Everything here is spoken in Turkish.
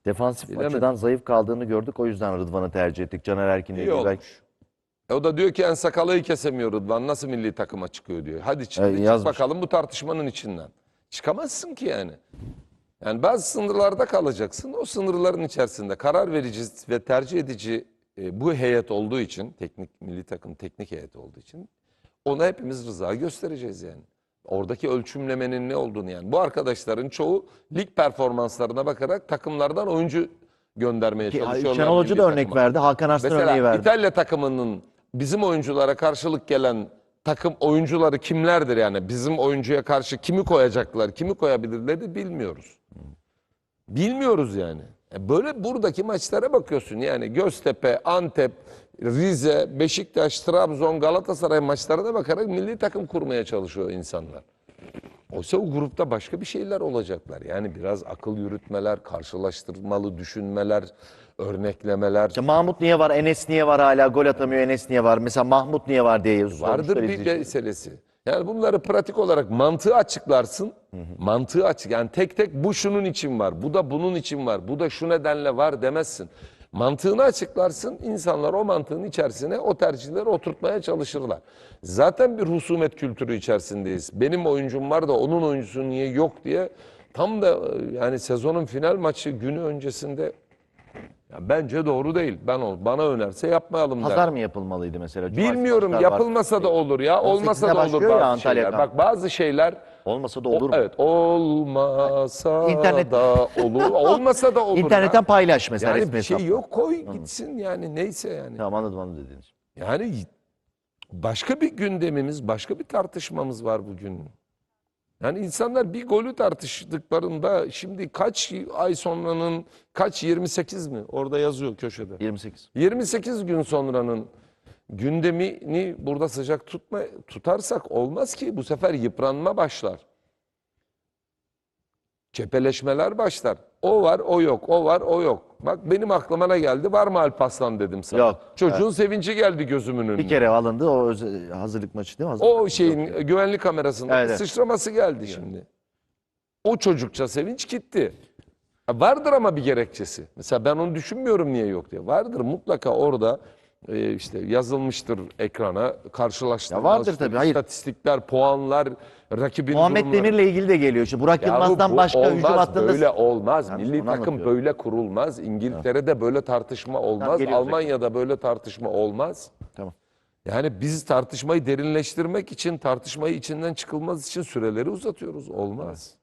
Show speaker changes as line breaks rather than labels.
Defansif
Bilemedim.
açıdan zayıf kaldığını gördük. O yüzden Rıdvan'ı tercih ettik. Caner Erkin'le
İyi
ilgili belki.
olmuş. O da diyor ki En Sakal'ı kesemiyor Rıdvan. Nasıl milli takıma çıkıyor diyor. Hadi çık
yazmış.
bakalım bu tartışmanın içinden. Çıkamazsın ki yani. Yani bazı sınırlarda kalacaksın. O sınırların içerisinde karar verici ve tercih edici bu heyet olduğu için, milli takım teknik heyet olduğu için ona hepimiz rıza göstereceğiz yani. Oradaki ölçümlemenin ne olduğunu yani. Bu arkadaşların çoğu lig performanslarına bakarak takımlardan oyuncu göndermeye çalışıyorlar.
Şenol Hoca
milli
da örnek
takıma.
verdi. Hakan Arslan örneği
Mesela
verdi.
İtalya takımının bizim oyunculara karşılık gelen takım oyuncuları kimlerdir yani? Bizim oyuncuya karşı kimi koyacaklar, kimi koyabilirleri bilmiyoruz. Bilmiyoruz yani. Böyle buradaki maçlara bakıyorsun yani Göztepe, Antep, Rize, Beşiktaş, Trabzon, Galatasaray maçlarına bakarak milli takım kurmaya çalışıyor insanlar. Oysa o grupta başka bir şeyler olacaklar. Yani biraz akıl yürütmeler, karşılaştırmalı düşünmeler, örneklemeler.
İşte Mahmut niye var, Enes niye var hala gol atamıyor, Enes niye var? Mesela Mahmut niye var diye
Vardır bir meselesi. Yani bunları pratik olarak mantığı açıklarsın. Mantığı açık. Yani tek tek bu şunun için var, bu da bunun için var, bu da şu nedenle var demezsin. Mantığını açıklarsın, insanlar o mantığın içerisine o tercihleri oturtmaya çalışırlar. Zaten bir husumet kültürü içerisindeyiz. Benim oyuncum var da onun oyuncusu niye yok diye tam da yani sezonun final maçı günü öncesinde ya bence doğru değil. Bana önerse yapmayalım
Pazar
der.
mı yapılmalıydı mesela?
Bilmiyorum,
Cumartesi maçlar
yapılmasa
var.
da olur ya. Olmasa
18'inde
da olur
başlıyor ya
bazı
Antalya
şeyler.
kampı.
Bak bazı şeyler
Olmasa da olur mu?
evet olmasa
İnternet-
da olur. Olmasa da olur.
İnternetten
ya.
paylaş mesela
Yani
resmi
bir şey
hesaptan.
yok, koy gitsin yani neyse yani.
Tamam, anladım dediğiniz.
Yani başka bir gündemimiz, başka bir tartışmamız var bugün. Yani insanlar bir golü tartıştıklarında şimdi kaç ay sonranın kaç 28 mi? Orada yazıyor köşede.
28.
28 gün sonranın gündemini burada sıcak tutarsak olmaz ki. Bu sefer yıpranma başlar. Çepeleşmeler başlar. O var, o yok. O var, o yok. Bak benim aklıma ne geldi? Var mı Alparslan dedim sana.
Yok.
Çocuğun sevinci geldi gözümün önüne.
Bir kere alındı o hazırlık maçı değil mi? Hazırlık
O
maçı.
şeyin güvenlik kamerasında
Evet, evet.
sıçraması geldi şimdi. O çocukça sevinç gitti. Vardır ama bir gerekçesi. Mesela ben onu düşünmüyorum niye yok diye. Vardır mutlaka orada işte yazılmıştır ekrana karşılaştırma.
Ya vardır tabii, hayır.
İstatistikler, puanlar, rakibin
Muhammed
durumları.
Demir'le ilgili de geliyor. İşte Burak
Yahu
Yılmaz'dan
bu
başka hücum
olmaz,
hattında...
böyle olmaz.
Yani
Milli
onu
takım
anlatıyorum.
böyle kurulmaz. İngiltere'de böyle tartışma olmaz.
geliyoruz
Almanya'da böyle tartışma olmaz.
Tamam.
Yani biz tartışmayı derinleştirmek için, tartışmayı içinden çıkılmaz için süreleri uzatıyoruz. Olmaz.